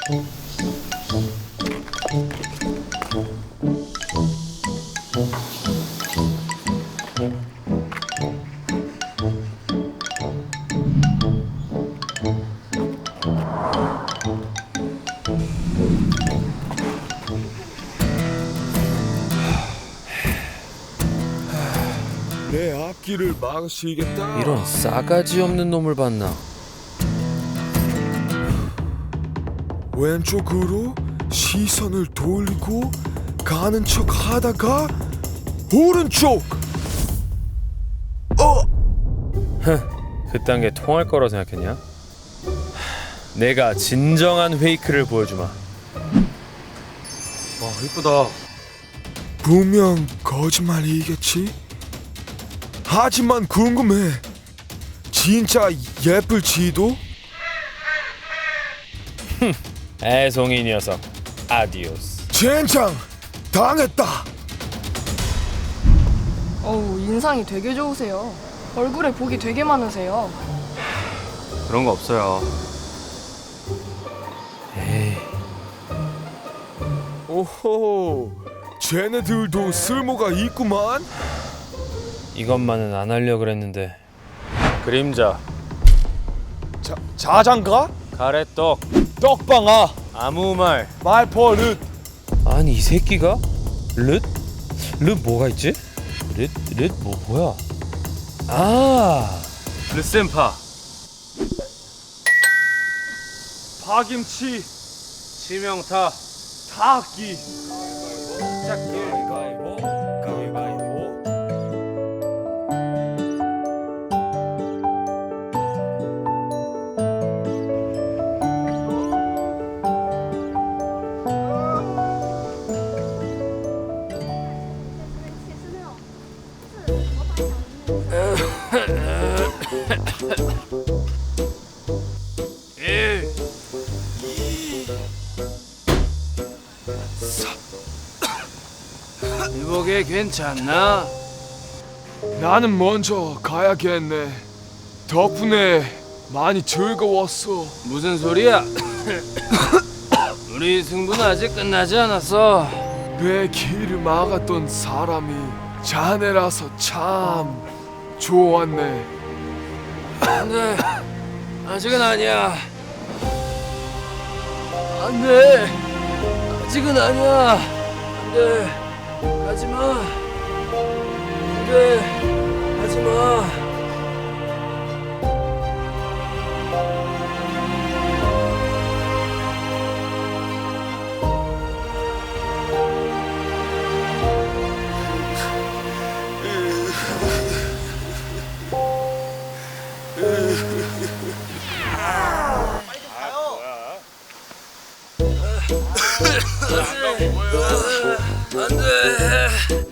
내 앞길을 막으시겠다. 이런 싸가지 없는 놈을 봤나. 왼쪽으로 시선을 돌리고 가는 척 하다가 오른쪽. 그딴 게 통할 거라 생각했냐? 내가 진정한 페이크를 보여주마. 와 이쁘다. 분명 거짓말이겠지? 하지만 궁금해. 진짜 예쁠지도? 애송이 녀석. 아디오스. 젠장! 당했다! 어우, 인상이 되게 좋으세요. 얼굴에 복이 되게 많으세요. 그런 거 없어요. 에이. 오호, 쟤네들도 쓸모가 있구만. 이것만은 안 하려 그랬는데. 그림자. 자장가? 가래떡. 떡방아, 아무 말. 말버릇. 아니 이 새끼가? 릇? 릇 뭐가 있지? 릇 뭐야? 아 르센파. 파김치, 치명타. 닭기. 가위바위보. 가위바위보. 이보게 괜찮나? 나는 먼저 가야겠네. 덕분에 많이 즐거웠어. 무슨 소리야? 우리 승부는 아직 끝나지 않았어. 내 길을 막았던 사람이 자네라서 참 좋았네. 안돼, 아직은 아니야. 안돼, 아직은 아니야. 안돼, 가지마. 안돼, 가지마. 안돼.